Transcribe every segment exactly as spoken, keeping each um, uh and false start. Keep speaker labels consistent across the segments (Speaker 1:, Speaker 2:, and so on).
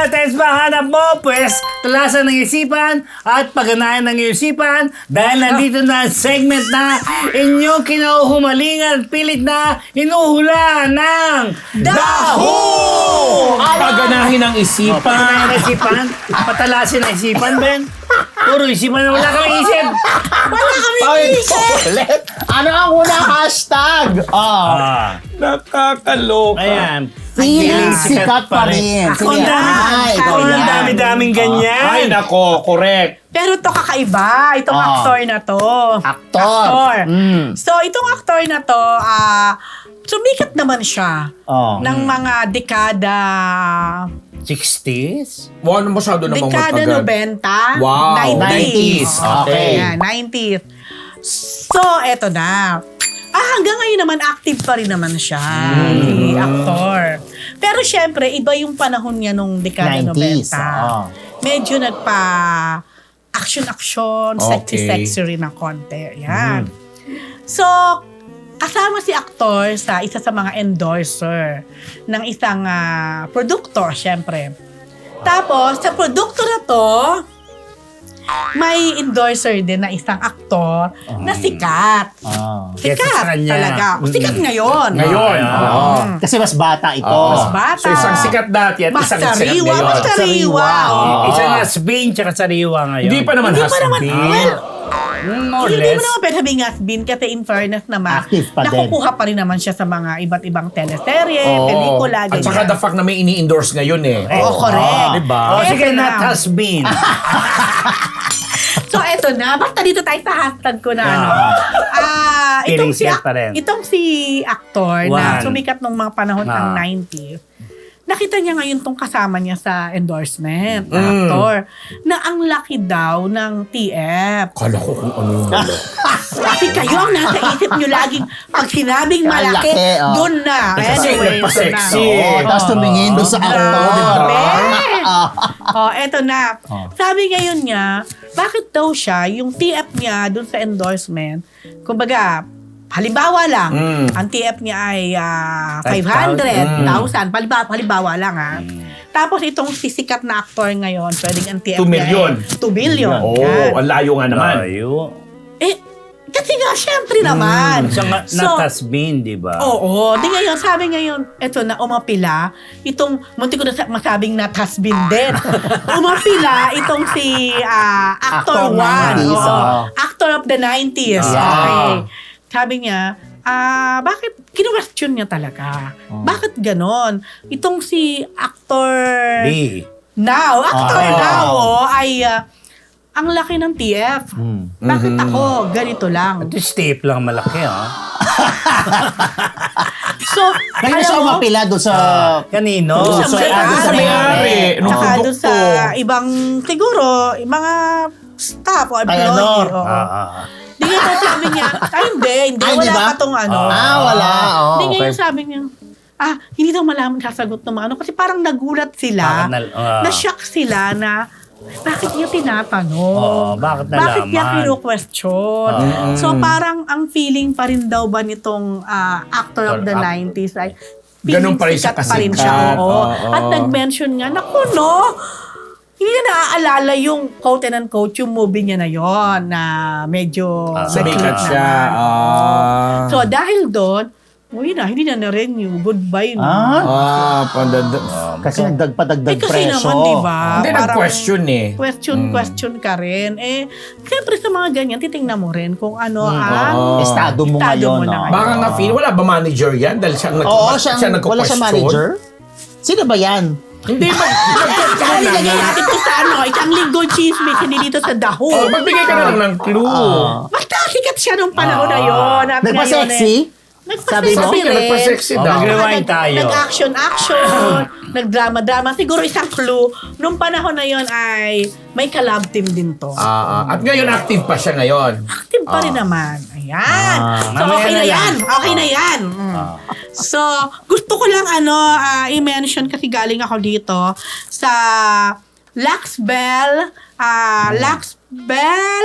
Speaker 1: Test ba hanap mo? Pwes, talasan ng isipan at pagganahan ng isipan dahil nandito na ang segment na inyong kinauhumalingan at pilit na hinuhula ng
Speaker 2: Daho!
Speaker 3: Paganahin ang
Speaker 1: Oh,
Speaker 3: isipan.
Speaker 1: pagganahan ng isipan, patalasin ng isipan, Ben. Puro isipan na wala kang isip.
Speaker 2: Wala kami
Speaker 3: Ay,
Speaker 2: isip!
Speaker 3: ulit.
Speaker 2: Ano ang unang hashtag? Oh,
Speaker 1: Ah,
Speaker 3: Nakakaloka.
Speaker 1: ayan.
Speaker 2: feeling
Speaker 1: Feeling
Speaker 2: sikat pa rin.
Speaker 1: Ako
Speaker 2: Sige,
Speaker 1: ang dami,
Speaker 2: ay,
Speaker 1: ako
Speaker 2: ikaw
Speaker 1: ang
Speaker 2: yan.
Speaker 1: dami-daming ganyan.
Speaker 3: Ay, nako, correct.
Speaker 4: Pero to kakaiba, itong
Speaker 2: Ah.
Speaker 4: aktor na to.
Speaker 2: Aktor.
Speaker 4: Aktor.
Speaker 2: Mm.
Speaker 4: So, itong aktor na to, ah, sumikat naman siya
Speaker 2: Oh.
Speaker 4: ng mga dekada,
Speaker 1: sixties?
Speaker 3: Wow, ano masyado namang
Speaker 4: dekada
Speaker 3: matagal.
Speaker 4: nobenta,
Speaker 3: Wow.
Speaker 4: nineties.
Speaker 3: nineties. Okay.
Speaker 4: Ayan, nineties. So, eto na. Ah, hanggang ngayon naman, active pa rin naman siya, si aktor. Pero syempre, iba yung panahon niya nung dekada
Speaker 2: nineties.
Speaker 4: nobenta.
Speaker 2: Oh.
Speaker 4: Medyo nagpa action-action,
Speaker 3: Okay.
Speaker 4: sexy-sexy rin ng konti. Yan. So, kasama si aktor sa isa sa mga endorser ng isang ah, produkto, syempre. Tapos, sa produkto na to, may endorser din na isang aktor na sikat.
Speaker 2: Oh.
Speaker 1: Kesa
Speaker 4: Sikat
Speaker 1: sa kanya.
Speaker 4: talaga. Sikat ngayon.
Speaker 3: Ngayon.
Speaker 1: Ah,
Speaker 3: oo.
Speaker 2: Oh. Kasi mas bata ito.
Speaker 4: Mas bata.
Speaker 3: So, isang sikat dati at
Speaker 4: Mas
Speaker 3: isang sikat
Speaker 4: sariwa,
Speaker 3: ngayon.
Speaker 4: mas sariwa.
Speaker 2: Oo.
Speaker 1: Isang has-been tsaka sariwa ngayon.
Speaker 3: Hindi pa naman
Speaker 4: Hindi pa
Speaker 3: has
Speaker 4: naman,
Speaker 3: been.
Speaker 4: well,
Speaker 1: Mm, more or
Speaker 4: Hindi mo
Speaker 1: less.
Speaker 4: naman pwede sabihin has-been kasi in fairness naman,
Speaker 2: Active pa din.
Speaker 4: nakukuha pa rin naman siya sa mga iba't ibang teleserye,
Speaker 3: Oo.
Speaker 4: pelikula,
Speaker 3: At saka
Speaker 4: ganyan.
Speaker 3: the fact na may ini-endorse ngayon eh.
Speaker 4: Oo, correct.
Speaker 3: diba?
Speaker 1: Oh,
Speaker 4: Eto
Speaker 1: sige,
Speaker 4: na.
Speaker 1: not has-been.
Speaker 4: So, eto na. Basta dito tayo sa hashtag ko na, ano. Ah,
Speaker 1: Feeling
Speaker 4: itong si,
Speaker 1: sikat pa rin.
Speaker 4: itong si actor na
Speaker 1: One.
Speaker 4: sumikat nung mga panahon ng
Speaker 1: Ah.
Speaker 4: nineties, nakita niya ngayon tong kasama niya sa endorsement, na
Speaker 3: Mm.
Speaker 4: actor, na ang laki daw ng T F.
Speaker 3: Kala ko kung ano yung ano.
Speaker 4: Kasi kayo ang nasa isip nyo laging pag sinabing malaki,
Speaker 2: Malaki, oh.
Speaker 4: dun na.
Speaker 3: Kasi
Speaker 4: Anyway,
Speaker 3: nagpa-sexy.
Speaker 4: ito na.
Speaker 2: Oo, tapos tumingin doon sa
Speaker 4: Grabe.
Speaker 2: aktor. Ah.
Speaker 4: Oh, eto na.
Speaker 2: Oh.
Speaker 4: Sabi ngayon niya, bakit daw siya, yung T F niya dun sa endorsement, kumbaga, halimbawa lang,
Speaker 3: Mm.
Speaker 4: ang T F niya ay ah,
Speaker 1: five
Speaker 4: five hundred thousand.
Speaker 3: Mm.
Speaker 4: Halimbawa, halimbawa lang ha. Tapos itong sisikat na actor ngayon, pwedeng ang T F
Speaker 3: Two
Speaker 4: niya
Speaker 3: million.
Speaker 4: ay two billion.
Speaker 3: Oo,
Speaker 4: Yan.
Speaker 3: ang layo nga naman.
Speaker 1: Layo.
Speaker 4: Eh, kasi nga, syempre naman.
Speaker 1: Siya nga, not has-been, di ba?
Speaker 4: Oo. Di ngayon, sabi ngayon, eto na, umapila, itong, munti ko na sa- masabing not has been din. umapila, itong si ah, Actor
Speaker 2: Actor
Speaker 4: One.
Speaker 2: nineties,
Speaker 4: Oo.
Speaker 2: oo.
Speaker 4: Actor of the nineties.
Speaker 2: Yeah.
Speaker 4: Okay. Sabi niya, ah, bakit, kinu-question niya talaga.
Speaker 2: Oh.
Speaker 4: Bakit ganon? Itong si Actor
Speaker 1: B.
Speaker 4: Now, Actor
Speaker 2: Oh.
Speaker 4: Now, oh, ay, ah, ang laki ng T F.
Speaker 2: Hmm.
Speaker 4: Bakit ako? Ganito lang.
Speaker 1: Ito tape lang malaki, ha?
Speaker 4: So,
Speaker 2: Kaya siya
Speaker 4: alam mo,
Speaker 2: umapila doon sa...
Speaker 1: Kanino?
Speaker 4: Doon sa
Speaker 2: sa-
Speaker 4: may-ari.
Speaker 2: doon sa
Speaker 3: may-ari. Nung
Speaker 4: Tsaka
Speaker 3: produkto.
Speaker 4: doon sa ibang, siguro, mga staff o
Speaker 2: Ay,
Speaker 4: employee.
Speaker 2: ano?
Speaker 4: oo.
Speaker 1: Ah, ah.
Speaker 4: Di nga sabi niya, ay hindi, hindi,
Speaker 2: Ay,
Speaker 4: wala
Speaker 2: di ba?
Speaker 4: pa tong ano.
Speaker 2: Ah, wala. Oh,
Speaker 4: Di nga
Speaker 2: okay.
Speaker 4: yung sabi niya, ah, hindi daw malaman sasagot ng mga ano. Kasi parang nagulat sila,
Speaker 1: Bakit nal- ah.
Speaker 4: na-shock sila na, bakit niya tinatanong?
Speaker 1: Oo, bakit nalaman?
Speaker 4: Bakit niya kino-question? So parang ang feeling pa rin daw ba nitong ah, actor of the
Speaker 1: Actor.
Speaker 4: nineties ay
Speaker 3: Ganun pa rin siya
Speaker 4: sikat pa rin
Speaker 3: kasikat.
Speaker 4: siya. Oo.
Speaker 3: Oo.
Speaker 4: At nag-mention nga, naku no, hindi na naaalala yung quote and unquote yung movie niya na yon na medyo
Speaker 1: Ah,
Speaker 3: Sumikat
Speaker 4: nag-click
Speaker 3: siya.
Speaker 4: naman.
Speaker 3: Ah.
Speaker 4: So dahil doon, uy na, hindi na na-renew. Goodbye na.
Speaker 2: Ah,
Speaker 3: Ah, pandada.
Speaker 2: kasi nagdagpadagdag
Speaker 4: Eh kasi
Speaker 2: presyo.
Speaker 4: naman, di ba?
Speaker 3: Hindi,
Speaker 4: Parang
Speaker 3: nag-question eh.
Speaker 4: Question, question ka rin. Eh, siyempre sa mga ganyan, titingnan mo rin kung ano ang
Speaker 3: oo.
Speaker 2: Estado mo
Speaker 4: Estado
Speaker 2: ngayon.
Speaker 4: mo na
Speaker 2: no?
Speaker 4: ngayon.
Speaker 3: Baka nga feel, wala ba manager yan? Dahil siya, nag-
Speaker 2: Oo, siya,
Speaker 3: siya
Speaker 2: wala
Speaker 3: nagko-question.
Speaker 2: siya manager? Sino ba yan?
Speaker 3: Hindi, mag-
Speaker 4: Saan
Speaker 3: mag-
Speaker 4: ilagay natin ito sa ano? Isang linggo chismis, hindi dito sa daho.
Speaker 3: Oh, magbigay ka na lang ng clue.
Speaker 2: Ah.
Speaker 4: Basta sikat siya nung panahon na yun. At
Speaker 2: Nagpa-sexy?
Speaker 4: ngayon, eh,
Speaker 2: Sabi mo?
Speaker 4: nagpa-sexy rin.
Speaker 3: Nagpa-sexy
Speaker 1: Oh,
Speaker 3: daw.
Speaker 1: mag-rewind
Speaker 4: Nag-
Speaker 1: tayo.
Speaker 4: Nag-action-action, nag-drama-drama. Siguro isang clue. Nung panahon na yun ay may collab team din to.
Speaker 3: Ah, ah. At ngayon, active pa siya ngayon.
Speaker 4: Active pa rin naman. Ayan.
Speaker 2: Ah,
Speaker 4: so,
Speaker 1: mamaya
Speaker 4: okay
Speaker 1: na
Speaker 4: na
Speaker 1: yan.
Speaker 4: yan. Okay na yan. Mm. So, gusto ko lang ano ah, i-mention kasi galing ako dito sa Lux Bell, ah, Lux Bell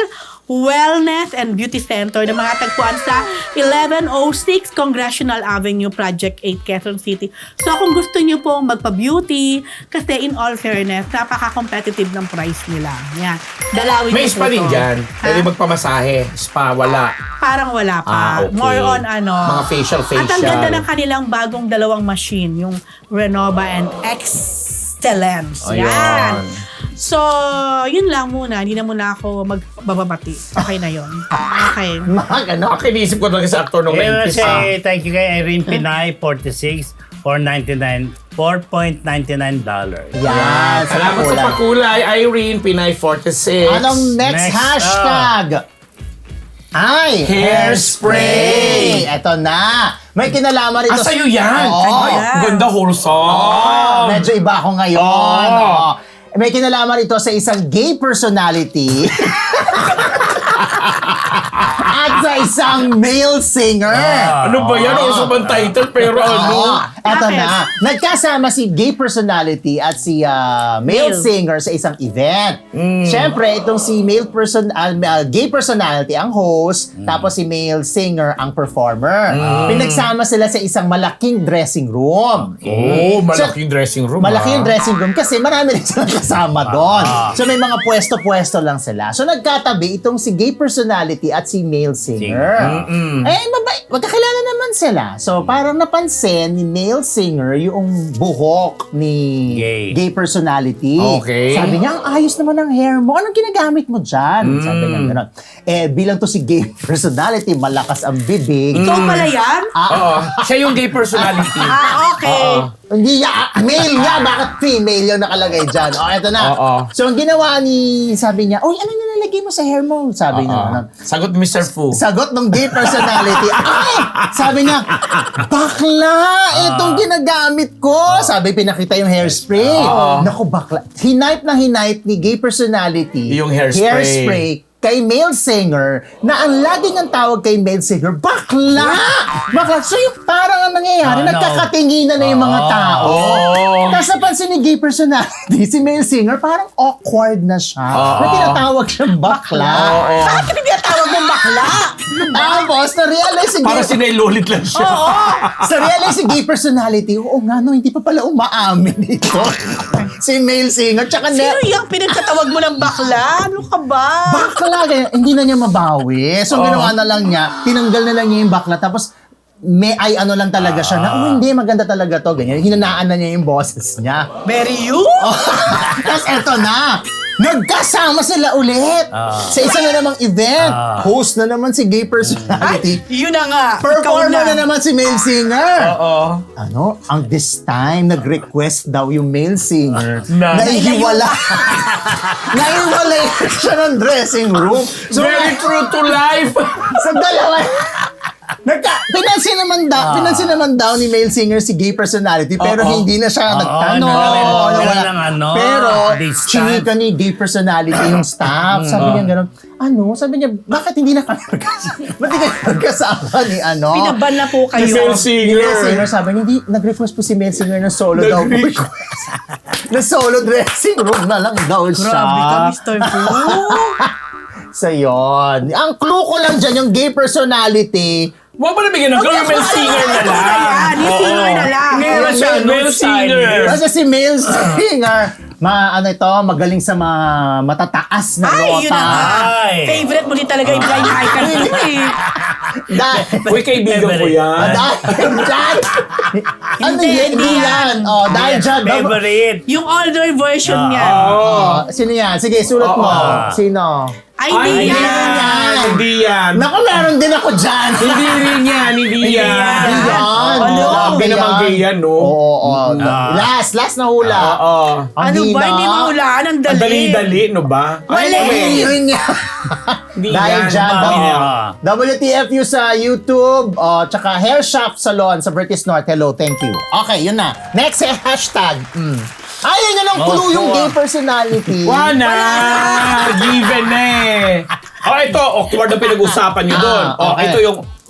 Speaker 4: Wellness and Beauty Center na mga tagpuan sa eleven oh six Congressional Avenue, Project eight, Quezon City. So kung gusto nyo pong magpa-beauty, kasi in all fairness, napaka-competitive ng price nila. Yan. Dalawin
Speaker 3: May
Speaker 4: nyo
Speaker 3: spa
Speaker 4: po
Speaker 3: din
Speaker 4: to.
Speaker 3: dyan.
Speaker 4: Ha?
Speaker 3: Pwede magpamasahe. Spa, wala.
Speaker 4: Parang wala pa.
Speaker 3: Ah, okay.
Speaker 4: More on ano.
Speaker 3: Mga facial, facial.
Speaker 4: At ang ganda ng kanilang bagong dalawang machine, yung Renova and Excellence.
Speaker 3: Ayun.
Speaker 4: Yan. So, yun lang muna. Hindi na muna ako magbababati. Okay na yun. Okay.
Speaker 2: Mga ano?
Speaker 3: Ako iniisip ko talaga sa actor nung
Speaker 1: Kaya
Speaker 3: nineties. ah.
Speaker 1: say thank you kay Irene Pinay, forty-six, four ninety-nine, four point nine nine dollars.
Speaker 2: Yan.
Speaker 3: Salamat sa pakulay, Irene Pinay forty-six.
Speaker 2: Anong next,
Speaker 1: Next,
Speaker 2: hashtag? Ay, hairspray. Ito na. May kinalaman
Speaker 3: Ah,
Speaker 2: ito.
Speaker 3: sa'yo yan?
Speaker 2: Oo.
Speaker 3: Ay, ganda wholesome.
Speaker 2: Oh, medyo iba ako ngayon.
Speaker 3: Oh.
Speaker 2: Oo. May kinalaman ito sa isang gay personality at sa isang male singer.
Speaker 3: Ano ba yan? Also bang title? Pero ano?
Speaker 2: Oo. Eto
Speaker 4: Bakit?
Speaker 2: na. Nagkasama si gay personality at si ah, male
Speaker 4: Male.
Speaker 2: singer sa isang event.
Speaker 3: Mm.
Speaker 2: Siyempre, itong si male person, ah, ah, gay personality ang host,
Speaker 3: Mm.
Speaker 2: tapos si male singer ang performer. Pinagsama sila sa isang malaking dressing room.
Speaker 3: Oh, malaking dressing room.
Speaker 2: Malaki yung
Speaker 3: ah.
Speaker 2: dressing room kasi marami rin silang kasama doon. So may mga pwesto-pwesto lang sila. So nagkatabi itong si gay personality at si male singer.
Speaker 3: Mm-mm.
Speaker 2: Eh, mabay, magkakilala naman sila. So parang napansin ni male singer yung buhok ni
Speaker 1: Gay.
Speaker 2: personality.
Speaker 3: Okay.
Speaker 2: Sabi niya, ang ayos naman ng hair mo. Anong ginagamit mo dyan? Sabi niya gano'n. Eh, bilang to si gay personality, malakas ang bibig.
Speaker 4: Ikaw pala yan?
Speaker 3: Oo. Siya yung gay personality.
Speaker 4: Ah, okay.
Speaker 2: Hindi ya, male nga, bakit female yung nakalagay dyan? O, eto na.
Speaker 3: Oo.
Speaker 2: So, ang ginawa ni, sabi niya, uy, ano nilalagay mo sa hair mo? Sabi niya, ano.
Speaker 3: Sagot mister Fu.
Speaker 2: Sagot ng gay personality, ay! Sabi niya, bakla! Itong ginagamit ko! Sabi, pinakita yung hairspray. Naku, bakla. Hinipe na hinipe ni gay personality
Speaker 3: Yung hairspray.
Speaker 2: hairspray kay male singer na ang laging ang tawag kay male singer, bakla! Bakla. So yung parang ang nangyayari,
Speaker 1: Oh, no.
Speaker 2: nagkakatinginan na yung mga tao.
Speaker 3: Oh.
Speaker 2: Tapos napansin ni gay personality, si male singer, parang awkward na siya. Na tinatawag siyang bakla.
Speaker 4: Bakit hindi tinatawag mong bakla?
Speaker 2: Tapos, na-realize si gay...
Speaker 3: Para sinailulit lang siya.
Speaker 2: Oo! Sa realize si gay personality, oo nga no, hindi pa pala umaamin ito. Si male singer, tsaka
Speaker 4: Sino
Speaker 2: ne-
Speaker 4: yung pinagtatawag mo ng bakla? Ano ka ba?
Speaker 2: bakla, ganyan, hindi na niya mabawi. So, ang ginawa na lang niya, tinanggal na lang niya yung bakla, tapos may ay ano lang talaga siya na, oh hindi, maganda talaga to, ganyan. Hinanaan na niya yung boses niya.
Speaker 4: Very you?
Speaker 2: Tapos eto na, nagkasama sila ulit sa isa na namang event. Host na naman si gay personality.
Speaker 4: Yun na nga. Ikaw
Speaker 2: Performer na naman si male singer.
Speaker 3: Oo.
Speaker 2: Ano, ang this time, nag-request daw yung male singer
Speaker 3: Na-
Speaker 2: na ihiwala. Naihiwalay siya ng dressing room. So,
Speaker 3: Very true to life.
Speaker 2: sa dalawa, nagka, pinansin naman daw, pinansin naman daw ni male singer si gay personality, pero
Speaker 3: Oo.
Speaker 2: hindi na siya
Speaker 1: Oo,
Speaker 2: nagtanong.
Speaker 1: nagkaroon-
Speaker 2: nawala.
Speaker 1: nagkaroon ng ano,
Speaker 2: pero,
Speaker 1: distance.
Speaker 2: chinika ni gay personality yung staff. Sabi niya gano'n, ano? Sabi niya, bakit hindi na kami magkasama? Ba't di kayo magkasama ni ano?
Speaker 4: Pinaban na po kayo.
Speaker 3: Si male
Speaker 2: Ni male singer,
Speaker 3: singer.
Speaker 2: sabi niya, hindi, nag-request po si male singer ng solo daw.
Speaker 3: Nag-request.
Speaker 2: na solo dressing room na lang daw siya.
Speaker 4: Grabe ka, Mister Fu.
Speaker 2: So, yun. Ang clue ko lang dyan, yung gay personality,
Speaker 3: Huwag mo nabigyan ng clue, yung male singer na lang.
Speaker 4: Ayan, yung singer na lang.
Speaker 1: Hindi naman siya
Speaker 3: Male
Speaker 1: male
Speaker 3: singer.
Speaker 1: singer.
Speaker 2: kasi si male singer, ma, ano ito, magaling sa mga matataas na
Speaker 4: Ay,
Speaker 2: nota.
Speaker 4: yun na nga.
Speaker 1: Ay.
Speaker 4: Favorite mo din talaga yung blind icon mo eh.
Speaker 2: Dahil,
Speaker 3: Uy, kaibigan ko yan.
Speaker 2: dahil dyan, ano
Speaker 4: Hindi,
Speaker 2: yan, hindi
Speaker 4: hindi
Speaker 2: yan. Oh, dahil dyan, dab-
Speaker 1: Favorite.
Speaker 4: Yung older version niya.
Speaker 2: oh, sino yan? Sige, sulat mo.
Speaker 3: Oo.
Speaker 2: Sino?
Speaker 4: Ay,
Speaker 3: Ay,
Speaker 4: hindi
Speaker 3: hindi
Speaker 4: yan.
Speaker 3: yan. Hindi yan.
Speaker 2: Naku, meron din ako dyan.
Speaker 3: Hindi rin yan. Hindi yan.
Speaker 2: Hindi yan.
Speaker 4: Ano?
Speaker 3: Grabe naman gay yan, no?
Speaker 2: Oo, oo.
Speaker 1: Ah.
Speaker 2: Last, last na hula.
Speaker 3: Oo.
Speaker 2: Ang
Speaker 4: Ano ba?
Speaker 2: hina.
Speaker 4: Hindi mahulaan. Ang
Speaker 3: Ang
Speaker 4: dali.
Speaker 3: dali-dali, no ba?
Speaker 4: Mali.
Speaker 2: Hindi rin yan.
Speaker 3: Hindi
Speaker 2: Dahil
Speaker 3: yan.
Speaker 2: dyan,
Speaker 1: Mami,
Speaker 2: W-
Speaker 1: ah.
Speaker 2: W T F U sa YouTube, oh, tsaka Hair Shop Salon sa Vertis North. Hello, thank you. Okay, yun na. Next, eh, hashtag. Mm. Ay, yun na lang
Speaker 1: Oh,
Speaker 2: clue yung
Speaker 1: sure.
Speaker 2: gay personality.
Speaker 3: Wala! Given na eh. Oh, ito, awkward na pinag-usapan nyo doon.
Speaker 2: Ah,
Speaker 3: Oh,
Speaker 2: okay.
Speaker 3: ito yung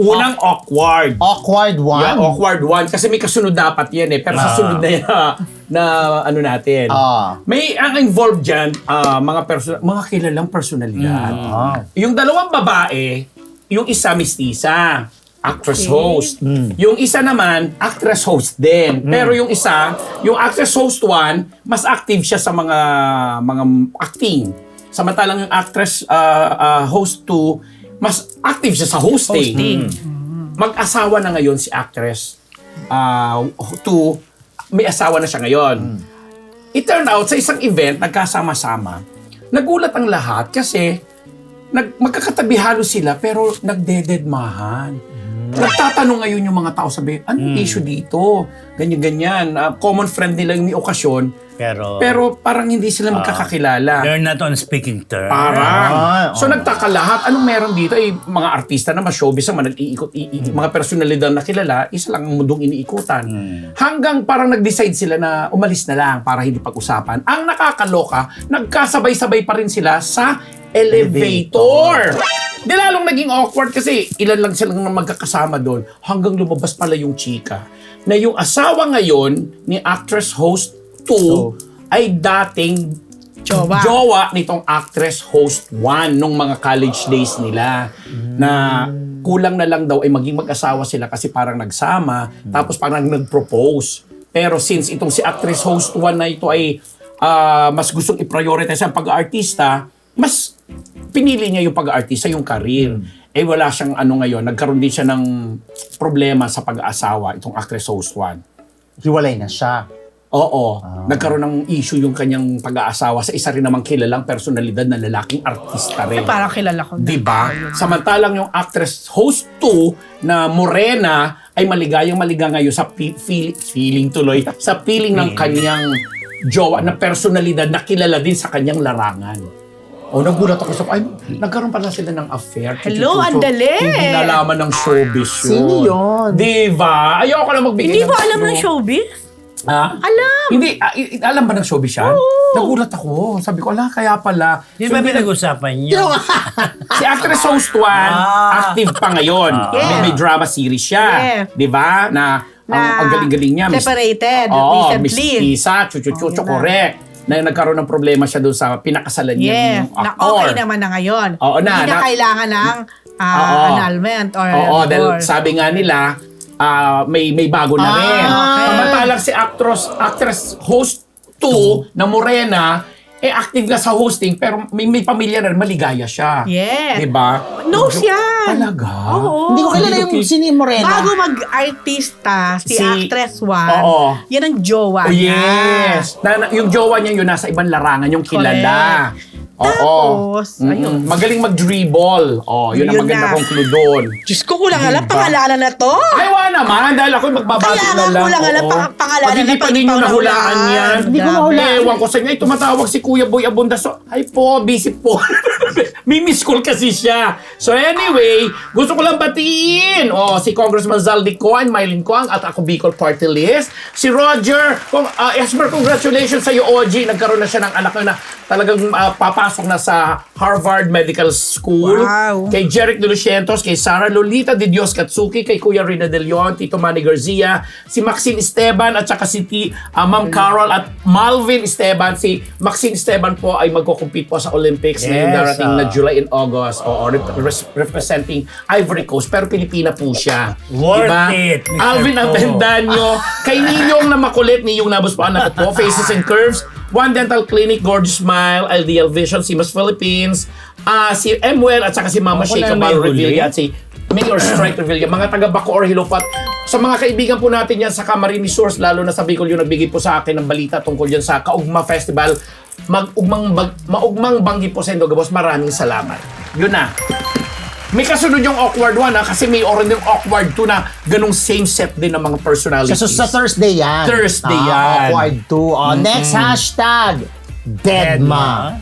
Speaker 3: Unang awkward.
Speaker 2: Awkward one?
Speaker 3: Yeah, awkward one. Kasi may kasunod dapat yan eh. Pero sa
Speaker 1: Ah.
Speaker 3: sunod na yan, na, na ano natin.
Speaker 2: Ah.
Speaker 3: May ang involved dyan, ah, mga person mga kilalang personalidad.
Speaker 2: Ah.
Speaker 3: Yung dalawang babae, yung isa mistisa, actress
Speaker 4: Okay.
Speaker 3: host. Yung isa naman, actress host din. Pero yung isa, yung actress host one, mas active siya sa mga mga acting. Samantalang yung actress ah, ah, host two, mas active siya sa hosting.
Speaker 4: Hosting.
Speaker 3: Mag-asawa na ngayon si actress uh, two, may asawa na siya ngayon. It turned out, sa isang event, nagkasama-sama, nagulat ang lahat kasi nag, magkakatabi halos sila pero nagdededmahan. Nagtatanong ngayon yung mga tao, sabi, anong issue dito? Ganyan-ganyan. Uh, common friend nila yung may okasyon,
Speaker 1: Pero,
Speaker 3: pero parang hindi sila magkakakilala.
Speaker 1: they're not on speaking terms.
Speaker 3: Parang.
Speaker 2: Ah,
Speaker 3: So
Speaker 2: oh.
Speaker 3: nagtaka lahat, anong meron dito? Eh, mga artista na, mas showbiz naman, nag-iikot, i- i- mga personalidad na kilala, isa lang ang mundong iniikutan. Hanggang parang nag-decide sila na umalis na lang para hindi pag-usapan. Ang nakakaloka, nagkasabay-sabay pa rin sila sa elevator. Di lalong naging awkward kasi ilan lang silang magkakasama doon hanggang lumabas pala yung chika na yung asawa ngayon ni actress host two ay dating
Speaker 4: Jowa.
Speaker 3: jowa nitong actress host one nung mga college days nila na kulang na lang daw ay maging mag-asawa sila kasi parang nagsama tapos parang nag-propose. Pero since itong si actress host one na ito ay ah, mas gustong i-prioritize ang pag-aartista, mas pinili niya yung pag-aartista, yung career. Eh wala siyang ano ngayon, nagkaroon din siya ng problema sa pag-aasawa, itong actress host one.
Speaker 2: Hiwalay na siya.
Speaker 3: Oo, nagkaroon ng issue yung kanyang pag-aasawa sa isa rin namang kilalang personalidad na lalaking artista rin.
Speaker 4: Ay, parang kilala ko na.
Speaker 3: Diba? Samantalang yung actress host two na Morena ay maligayang maliga ngayon sa pi- feel- feeling tuloy, sa feeling ng kanyang jowa na personalidad na kilala din sa kanyang larangan. O, nagulat ako sa, ay, nagkaroon pala sila ng affair.
Speaker 4: Hello,
Speaker 3: Chuchuchucho.
Speaker 4: ang dali!
Speaker 3: Hindi nalaman ng showbiz yun.
Speaker 2: Sino yun?
Speaker 3: Diba? Ayoko na magbigay
Speaker 4: Hindi
Speaker 3: ng
Speaker 4: mo alam
Speaker 3: clue.
Speaker 4: ng showbiz?
Speaker 3: Ha?
Speaker 4: Alam!
Speaker 3: Hindi, ah, i- i- alam ba ng showbiz yan? Nagulat ako. Sabi ko, ala, kaya pala.
Speaker 1: Di
Speaker 3: So,
Speaker 1: ba
Speaker 3: hindi-
Speaker 1: pinag-usapan niyo?
Speaker 3: si actress host one,
Speaker 1: Ah.
Speaker 3: active pa ngayon.
Speaker 4: Yeah.
Speaker 3: May, may drama series siya.
Speaker 4: Yeah.
Speaker 3: Di ba? Na, ang, ang galing-galing niya. Miss-
Speaker 4: Separated
Speaker 3: Oo, Miss
Speaker 4: recently.
Speaker 3: Tisa, chuchuchucho,
Speaker 4: Oh, yun na.
Speaker 3: correct. Na nagkaroon ng problema siya doon sa pinakasalan niya
Speaker 4: Yeah,
Speaker 3: ng
Speaker 4: na
Speaker 3: actor.
Speaker 4: okay naman na ngayon.
Speaker 3: Oo na,
Speaker 4: Hindi na,
Speaker 3: na-
Speaker 4: kailangan ng ah,
Speaker 3: Oo.
Speaker 4: annulment or
Speaker 3: Oo, dahil
Speaker 4: divorce.
Speaker 3: sabi nga nila, ah, may may bago na
Speaker 2: Ah,
Speaker 3: rin.
Speaker 4: okay.
Speaker 3: Samantalang si actress, actress host two na Morena, eh active na sa hosting pero may, may pamilya na rin, maligaya siya.
Speaker 4: Yes.
Speaker 3: Diba?
Speaker 4: Knows yan.
Speaker 3: Talaga?
Speaker 4: Oo.
Speaker 2: Hindi ko kilala
Speaker 3: Hindi
Speaker 2: yung
Speaker 3: ko-
Speaker 2: sini Morena.
Speaker 4: Bago mag-artista, si,
Speaker 3: Si-
Speaker 4: actress one,
Speaker 3: Oo.
Speaker 4: yan ang jowa
Speaker 3: Oh,
Speaker 4: niya.
Speaker 3: yes. Na, na- yung jowa niya yun nasa ibang larangan, yung kilala. Oo.
Speaker 4: Tapos,
Speaker 3: Mm-mm.
Speaker 4: ayun.
Speaker 3: Magaling mag-dribble. Oh, yun, ang
Speaker 4: Yun
Speaker 3: maganda
Speaker 4: na.
Speaker 3: kong clue doon.
Speaker 4: Diyos ko, kulang alam,
Speaker 3: Diba?
Speaker 4: pangalanan na to.
Speaker 3: Ay, wala naman. Dahil ako magbabati
Speaker 4: Kaya
Speaker 3: na
Speaker 4: nga,
Speaker 3: lang.
Speaker 4: kulang alam,
Speaker 3: Oo.
Speaker 4: pang- pangalanan
Speaker 3: Pag hindi
Speaker 4: na,
Speaker 3: pa
Speaker 4: pag
Speaker 3: ninyo
Speaker 4: ikaw
Speaker 3: nahulaan
Speaker 4: nahulaan.
Speaker 3: yan.
Speaker 2: Hindi ko
Speaker 4: Grabe.
Speaker 2: mahulaan.
Speaker 3: Ewan ko sa inyo. Ay, tumatawag si Kuya Boy Abunda. So, ay po, busy po. May miss call kasi siya. So anyway, gusto ko lang batiin. Oh, si Congressman Zaldi Coan, Mylene Coan, at ako Bicol Party List. Si Roger, kung, uh, Esmer, congratulations sa iyo, O G. Nagkaroon na siya ng anak na talagang ah, papasok na sa Harvard Medical School.
Speaker 4: Wow.
Speaker 3: Kay Jeric De Lucientos, kay Sara Lolita de Dios Katsuki, kay Kuya Rina De Leon, Tito Manny Garcia, si Maxine Esteban, at saka si T, ah, Ma'am Carol at Malvin Esteban. Si Maxine Esteban po ay magko-compete po sa Olympics ngayong
Speaker 1: Yes,
Speaker 3: darating
Speaker 1: ah.
Speaker 3: na July and August. O, rep- res- representing Ivory Coast, pero Pilipina po siya.
Speaker 1: Worth
Speaker 3: Diba?
Speaker 1: it, Mister
Speaker 3: Alvin
Speaker 1: Po.
Speaker 3: Avendaño, kay Ninyong na makulit, Ninyong Nabos po anak po, Faces and Curves, One Dental Clinic, Gorgeous Smile, L D L Vision, Simas Philippines, ah si Emwell at saka si Mama
Speaker 1: Ako
Speaker 3: Sheikha
Speaker 1: na may
Speaker 3: Bal
Speaker 1: huli.
Speaker 3: Revilla at si Mayor Strike Revilla, mga taga Bacoor, Hilopat. Sa mga kaibigan po natin yan sa Camarines Source, lalo na sa Bicol, yung nagbigay po sa akin ng balita tungkol yan sa Kaugma Festival. Mag-ugmang bag, maugmang banggi po sa Indogabos. Maraming salamat. Yun na. May kasunod yung awkward one ha, kasi may oran yung awkward two na ganong same set din ng mga personalities.
Speaker 2: Sa, sa Thursday yan.
Speaker 3: Thursday
Speaker 2: Ah,
Speaker 3: yan.
Speaker 2: Awkward two. Oh, next hashtag. Deadma.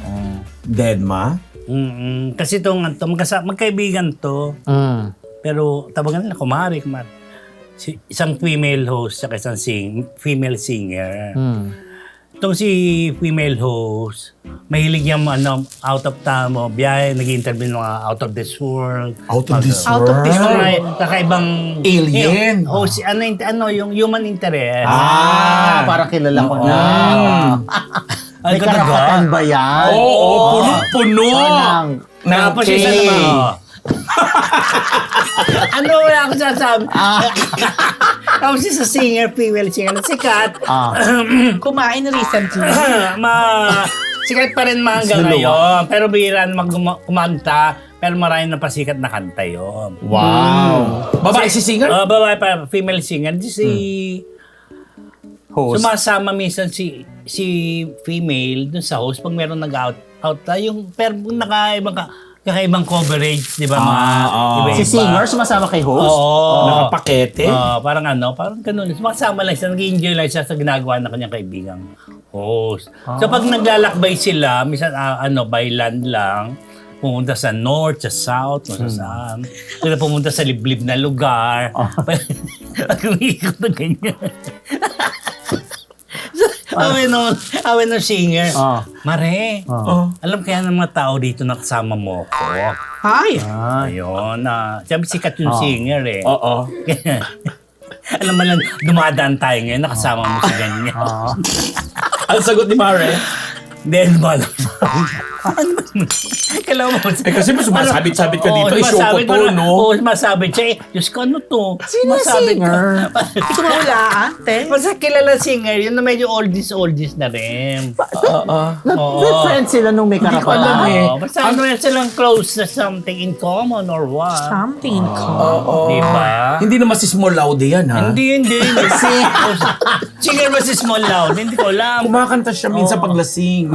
Speaker 3: Deadma?
Speaker 1: Mm-mm. Kasi itong to, magkasa- magkaibigan to,
Speaker 2: Mm.
Speaker 1: pero tawagan nila, kumari, kumari. Si, isang female host at isang sing, female singer.
Speaker 2: Mm.
Speaker 1: itong si female host, mahilig yung ano, out of time mo, biyahe, nag-interview ng mga out of this world.
Speaker 3: Out of this
Speaker 4: Out of this
Speaker 1: Mga
Speaker 4: world.
Speaker 1: kakaibang...
Speaker 3: Alien.
Speaker 1: O, si, ano, yung- ano, yung human interest.
Speaker 2: Ah, parang kilala ko na.
Speaker 1: Ay,
Speaker 2: May
Speaker 1: talaga?
Speaker 2: karapatan ba yan?
Speaker 3: Oo, oh, puno-puno.
Speaker 2: Parang,
Speaker 3: Ng
Speaker 1: Tapos isa
Speaker 3: cake.
Speaker 1: naman, oh. ano wala akong sasabi? Tapos isa singer, female singer na sikat.
Speaker 2: ah,
Speaker 4: Kumain recently.
Speaker 1: ma sikat pa rin mga hanggang
Speaker 2: Sino?
Speaker 1: ngayon. Pero bihira na mag kumanta. Pero marami na pasikat na kanta yun.
Speaker 2: wow.
Speaker 3: Babae si singer?
Speaker 1: Uh, babae pa, female singer. Di si...
Speaker 2: Host.
Speaker 1: Sumasama minsan si si female dun sa host pag meron nag-out out na yung pero kung nakaibang ka, kakaibang coverage, di ba? Mga
Speaker 3: ah.
Speaker 1: iba-iba.
Speaker 2: Si singer sumasama kay host?
Speaker 1: Oo.
Speaker 3: Nakapakete?
Speaker 1: Oo, parang ano, parang ganun. Sumasama lang siya, nag-enjoy lang siya sa ginagawa ng kanyang kaibigang host. So pag naglalakbay sila, minsan ah, ano, by land lang, pumunta sa north, sa south, kung sa saan. Kaya pumunta sa liblib na lugar. Pag umiikot na ganyan. Awe nung, awe nung singer.
Speaker 2: Ah.
Speaker 1: Mare,
Speaker 3: Oh.
Speaker 1: alam kaya ng mga tao dito na kasama mo ko.
Speaker 4: Ay.
Speaker 1: Ayun, na. Siyempre sikat yung
Speaker 2: Ah.
Speaker 1: singer eh.
Speaker 3: Oo.
Speaker 1: Alam mo lang, dumadaan tayo ngayon, nakasama mo si ganyan.
Speaker 2: Ah.
Speaker 3: Ang sagot ni Mare?
Speaker 1: Then, ba Kailangan mo.
Speaker 3: Eh, kasi mas sumasabit-sabit ka dito,
Speaker 1: Oo,
Speaker 3: eh, show ko
Speaker 1: sumasabit
Speaker 3: to,
Speaker 1: mo na-
Speaker 3: no?
Speaker 1: Oo, sumasabit siya. Eh, Diyos ko, ano to?
Speaker 2: Sino
Speaker 1: Sumasabit
Speaker 2: singer?
Speaker 1: ka.
Speaker 4: Hindi ko maulaan, te.
Speaker 1: Basta kilala singer, yun na medyo oldies-oldies na rin.
Speaker 3: Oo.
Speaker 2: Nag-good friends sila nung may
Speaker 3: ko alam
Speaker 2: karapatan.
Speaker 3: eh.
Speaker 1: Oo, basta ano yan silang close na something in common or what.
Speaker 4: Something ko.
Speaker 3: Oo.
Speaker 1: Diba?
Speaker 3: Hindi naman si Small Laude yan, ha?
Speaker 1: Hindi, hindi. Kasi, singer ba si Small Loud? Hindi ko alam.
Speaker 3: Kumakanta siya minsan paglasing.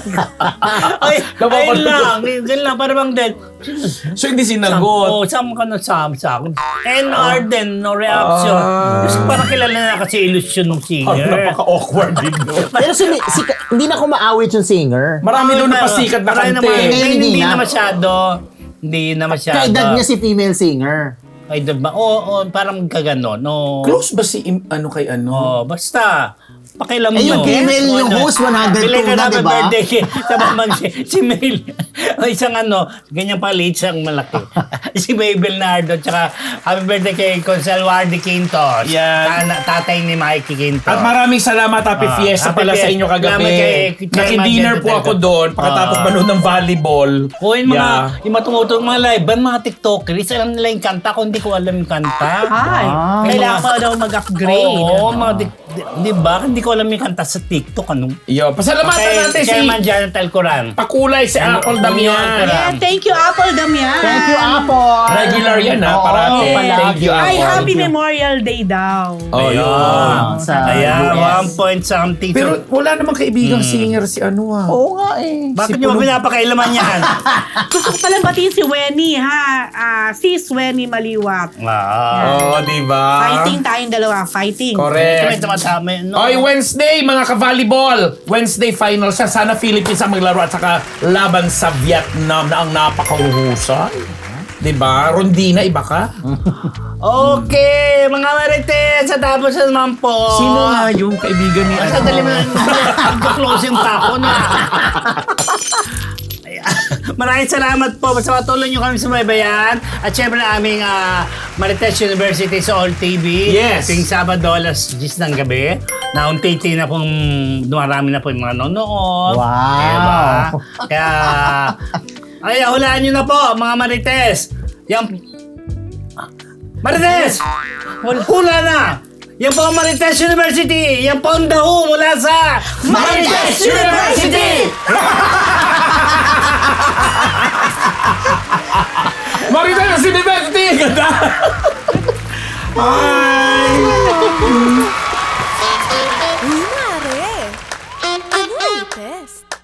Speaker 1: Ay,
Speaker 3: Napapanood
Speaker 1: ayun
Speaker 3: ko.
Speaker 1: lang. Ganun lang, parang bang dead.
Speaker 3: So, hindi sinagot.
Speaker 1: Oo, saan ka na sa sa akin? N R din, no reaction.
Speaker 3: Ah.
Speaker 1: Kasi parang kilala na kasi illusion ng
Speaker 3: Parang
Speaker 1: singer.
Speaker 3: napaka-awkward din doon.
Speaker 2: Pero sumi, sika, hindi na kumaawit yung singer.
Speaker 3: Marami doon
Speaker 1: Oo,
Speaker 3: napasikat na
Speaker 1: marami
Speaker 3: kante.
Speaker 1: naman-
Speaker 2: Ngayon,
Speaker 1: Hindi,
Speaker 2: hindi
Speaker 1: hindi
Speaker 2: na.
Speaker 1: na masyado. Hindi na masyado.
Speaker 2: Kaedad niya si female singer.
Speaker 1: Kaedad ba? Oo, oo, parang kagano. No.
Speaker 3: Close ba si Im- ano kay ano?
Speaker 1: Oh, basta. Pakialam
Speaker 2: Eh, yung
Speaker 1: nyo.
Speaker 2: female, yung
Speaker 1: Ano,
Speaker 2: host, one hundred two
Speaker 1: bili ka
Speaker 2: na,
Speaker 1: happy
Speaker 2: diba?
Speaker 1: birthday kay sa mamag si, si Mel. O isang ano, ganyan pala, isang malaki. Si Mabel Nardo, tsaka happy birthday kay Consalwardi Quintos.
Speaker 3: Yan.
Speaker 1: Tana- tatay ni Mikey Quintos.
Speaker 3: At maraming salamat, Happy
Speaker 1: Ah,
Speaker 3: Fiesta
Speaker 1: Happy
Speaker 3: pala sa
Speaker 1: Fiesta.
Speaker 3: inyo kagabi.
Speaker 1: Salamat kay- kay
Speaker 3: Naki-dinner
Speaker 1: Magenta
Speaker 3: po ako
Speaker 1: talaga.
Speaker 3: doon pagkatapos
Speaker 1: Ah.
Speaker 3: manood ng volleyball.
Speaker 1: O yung mga,
Speaker 3: Yeah.
Speaker 1: yung mga tumutulong mga live band, mga TikTokers, alam nila yung kanta ko, hindi ko alam yung kanta.
Speaker 4: Ay.
Speaker 2: Ah.
Speaker 4: Kailangan mo daw mag-upgrade.
Speaker 1: Oo, mga di, di, di ba? Hindi ko alam yung kanta sa TikTok. Ano?
Speaker 3: Yo, pasalamatan
Speaker 1: Kay
Speaker 3: natin si
Speaker 1: Chairman Jonathan Coran.
Speaker 3: Pakulay si
Speaker 1: Ano,
Speaker 3: Apple
Speaker 1: ano
Speaker 3: Damian.
Speaker 1: yun?
Speaker 4: Yeah, thank you, Apple Damian.
Speaker 2: Thank you, Apple.
Speaker 3: Regular yan, ha,
Speaker 2: Oo,
Speaker 3: parati.
Speaker 2: palagi.
Speaker 3: Thank you,
Speaker 4: Ay,
Speaker 3: Apple.
Speaker 4: happy Memorial Day daw.
Speaker 3: Oh, yun.
Speaker 2: Ah, sa
Speaker 1: Ayan,
Speaker 2: U S.
Speaker 1: one point something.
Speaker 3: Pero wala namang kaibigang singer si ano ah.
Speaker 2: Oo nga eh.
Speaker 1: Bakit
Speaker 3: si
Speaker 1: nyo
Speaker 3: Puno-
Speaker 1: pinapakailaman yan?
Speaker 4: Gusto ko palang batiin si Wenny, ha? Ah, sis Wenny Maliwat.
Speaker 1: Ah.
Speaker 3: Oh, di ba?
Speaker 4: Fighting tayong dalawa, fighting.
Speaker 1: Kami
Speaker 3: Correct.
Speaker 1: tumatama. No?
Speaker 3: Oy, Wednesday, mga ka-volleyball. Wednesday final siya. Sana Philippines ang maglaro at saka laban sa Vietnam na ang napakahuhusay. Diba? Rondina, iba ka?
Speaker 1: Okay, mga marites, sa tapos na naman po.
Speaker 3: Sino nga yung kaibigan ni
Speaker 1: Basta dali mo lang. Magka-closing pa ako na. Ayan. Maraming salamat po. Basta patuloy nyo kami sumaybayan. At syempre na aming ah, Marites University sa All T V.
Speaker 3: Yes.
Speaker 1: Tuwing Sabado, alas diyes ng gabi. Na unti-unti na pong dumarami na po yung mga nanonood.
Speaker 2: Wow.
Speaker 1: Diba? Kaya, ay, hulaan nyo na po, mga Marites. Yan, Marites! Hula na! Yan po ang Marites University! Yan po ang daho mula sa Marites University!
Speaker 3: Marites University! Ganda! Bye!
Speaker 5: Uy, mare! Ano latest?